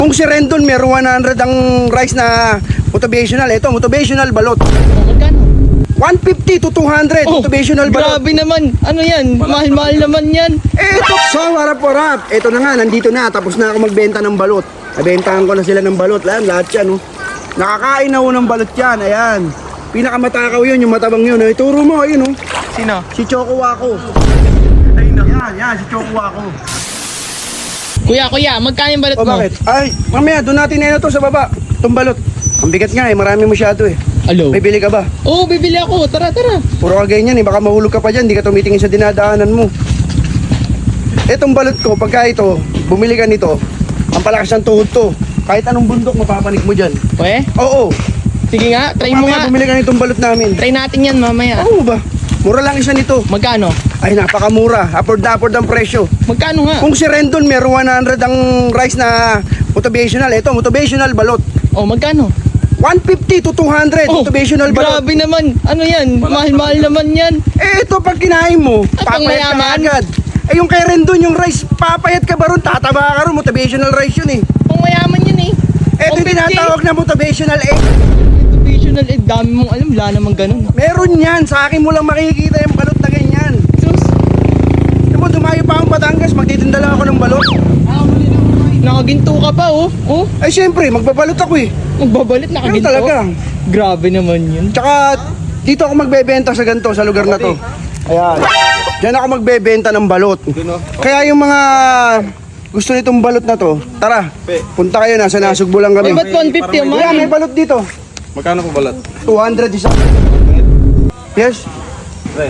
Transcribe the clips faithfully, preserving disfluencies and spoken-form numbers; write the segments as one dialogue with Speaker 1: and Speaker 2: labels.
Speaker 1: Kung si Rendon meron one hundred ang rice na motivational, ito motivational balot.
Speaker 2: Oh, magkano?
Speaker 1: one fifty to two hundred
Speaker 2: Oh,
Speaker 1: motivational balot.
Speaker 2: grabe naman. Ano yan? Mahal-mahal naman yan.
Speaker 1: Eh, ito, so warap-warap. Ito na nga, nandito na. Tapos na ako magbenta ng balot. Nabentahan ko na sila ng balot. Ayan, lahat yan, oh. Nakakain na ho ng balot yan. Ayan. Pinakamatakaw yun, yung matabang yun. Ay, turo mo, ayun, oh.
Speaker 2: Sino?
Speaker 1: Si Choco Waco. Ayun na. Yan, yan, si Choco Waco.
Speaker 2: Kuya, kuya, magkano yung balot
Speaker 1: O,
Speaker 2: mo?
Speaker 1: bakit? Ay, mamaya, doon natin na to sa baba. Itong balot. Ang bigat nga, eh. Marami masyado, eh.
Speaker 2: Alo?
Speaker 1: May bili ka ba?
Speaker 2: Oo, bibili ako. Tara, tara.
Speaker 1: Puro ka ganyan, eh. Baka mahulog ka pa dyan. Di ka tumitingin sa dinadaanan mo. Etong balot ko, pagka ito, bumili ka nito, ang palakas ng tuhod to. Kahit anong bundok, mapapanik mo dyan.
Speaker 2: Pwe?
Speaker 1: Oo.
Speaker 2: Sige nga, try mo
Speaker 1: Mamaya
Speaker 2: nga.
Speaker 1: bumili ka nitong balot namin.
Speaker 2: Try natin yan mamaya.
Speaker 1: Oo ba? Mura lang isa nito.
Speaker 2: Magkano?
Speaker 1: Ay, napakamura. Upward na upward ang presyo.
Speaker 2: Magkano nga?
Speaker 1: Kung si Rendon meron one hundred ang rice na motivational, ito motivational balot.
Speaker 2: Oh, magkano?
Speaker 1: one fifty to two hundred
Speaker 2: Oh,
Speaker 1: motivational balot.
Speaker 2: grabe naman. Ano yan? Mahal-mahal naman yan.
Speaker 1: Eh, ito pag kinain mo,
Speaker 2: At pang
Speaker 1: papayat ka
Speaker 2: mayaman?
Speaker 1: agad. Eh, yung kay Rendon, yung rice, papayat ka ba ron? Tataba ka ron, motivational rice yun eh.
Speaker 2: Pang mayaman yan eh.
Speaker 1: Ito yung tinatawag na motivational egg.
Speaker 2: Motivational eh. Dami mong alam. Wala namang ganun.
Speaker 1: Meron yan. Sa akin mo lang makikita yung balot na ganyan.
Speaker 2: Sus.
Speaker 1: Alam mo, dumayo pa akong Batangas, magtitinda lang ako ng balot.
Speaker 2: Nakaginto ka pa oh. Oh,
Speaker 1: Ay, syempre, magbabalot ako eh.
Speaker 2: magbabalit
Speaker 1: Ganun
Speaker 2: nakaginto.
Speaker 1: talaga.
Speaker 2: Grabe naman yun.
Speaker 1: Tsaka, dito ako magbebenta sa ganito, sa lugar na to. Ayan. Diyan ako magbebenta ng balot. Kaya yung mga gusto nitong balot na to, tara, punta kayo, nasa Nasugbo lang
Speaker 2: Ay,
Speaker 1: kami.
Speaker 2: ba't one fifty ang
Speaker 1: Kuya, may
Speaker 2: mahal?
Speaker 1: balot dito.
Speaker 3: Magkano po balat?
Speaker 1: two hundred isa. Yes?
Speaker 3: Pre.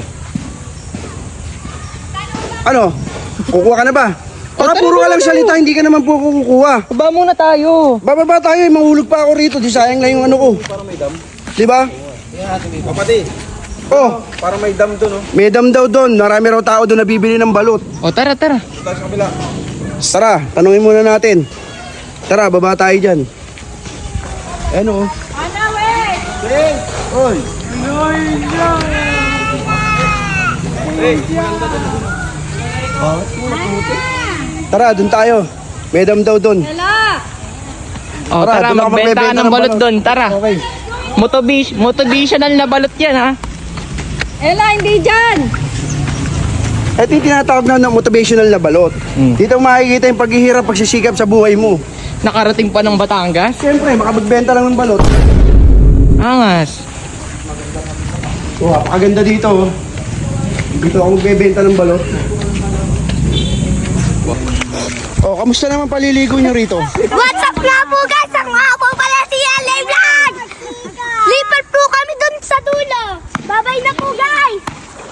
Speaker 1: Ano? Kukuha ka na ba? Baka
Speaker 2: tara,
Speaker 1: puro ka
Speaker 2: tara,
Speaker 1: lang
Speaker 2: tara.
Speaker 1: salita, hindi ka naman po kukuha.
Speaker 2: Baba muna tayo.
Speaker 1: Bababa tayo, eh, mahulog pa ako rito. Di sayang lang yung ano ko. Di ba?
Speaker 3: Kapati,
Speaker 1: Oh,
Speaker 3: parang may dam doon, oh.
Speaker 1: may dam daw doon. Marami raw tao doon nabibili ng balot.
Speaker 2: O, tara, tara.
Speaker 3: Tayo sa kabila.
Speaker 1: Tara, tanungin muna natin. Tara, baba tayo dyan. Ano? Oy. Tara, doon tayo. May dam daw doon.
Speaker 2: O,
Speaker 1: Tara,
Speaker 2: tara,
Speaker 1: doon ako
Speaker 2: magbenta ka
Speaker 1: magbebenta
Speaker 2: ng
Speaker 1: ng
Speaker 2: balot
Speaker 1: balot.
Speaker 2: doon. Tara.
Speaker 1: Okay.
Speaker 2: Motivis- motivational na balot yan, ha?
Speaker 4: Ela, hindi dyan!
Speaker 1: Ito yung tinatawag na ng motivational na balot.
Speaker 2: Mm.
Speaker 1: Dito makikita yung paghihirap, pagsisikap sa buhay mo.
Speaker 2: Nakarating pa ng Batangas.
Speaker 1: Siyempre, makapagbenta lang ng balot.
Speaker 2: Angas.
Speaker 1: Oh, napakaganda dito. oh. Dito ako magbebenta ng balot. Oh, kamusta naman paliligo nyo rito?
Speaker 4: What's up nga po guys? Ang mga po pala si L A Vlog! Lipat po kami dun sa dulo! Babay na po guys!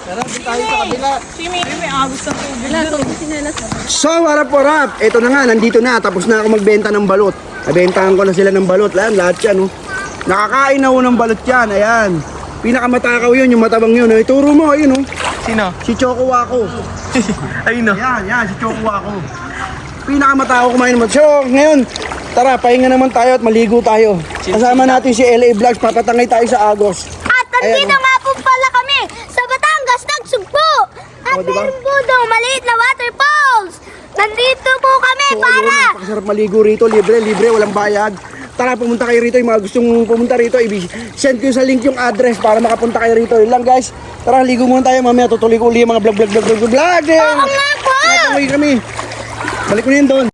Speaker 1: So, warap warap. Ito na nga, nandito na. Tapos na ako magbenta ng balot. Nabentahan ko na sila ng balot. Ayan, lahat yan, oh. Nakakain na ho ng balot yan. Ayan. Pinakamatakaw yun, yung matabang yun. Ay, turo mo, ayun, oh.
Speaker 2: Sino?
Speaker 1: Si Choco Waco.
Speaker 2: Ayun, no.
Speaker 1: Ayan, yan, si Choco Waco. Pinakamatakaw kumain naman. So, ngayon, tara, pahinga naman tayo at maligo tayo. Kasama natin si L A Vlogs. Papatangay tayo sa Agos.
Speaker 4: At nandito
Speaker 1: Ayan, oh.
Speaker 4: nga po pala kami sa Batangas, Nagsugpo! At
Speaker 1: Oh, diba?
Speaker 4: meron po daw maliit na waterfalls! Nandito po kami
Speaker 1: So,
Speaker 4: para...
Speaker 1: ayun, napakasarap maligo rito. Libre, libre, walang bayad. Tara, pumunta kayo rito. Yung mga gustong pumunta rito, i-send ko sa link yung address para makapunta kayo rito. Yun lang, guys. Tara, ligo muna tayo. Mamaya tutuloy ko uli yung mga vlog, vlog, vlog, vlog, vlog.
Speaker 4: Oo nga po!
Speaker 1: Nakatangay kami. Balik ko na yun doon.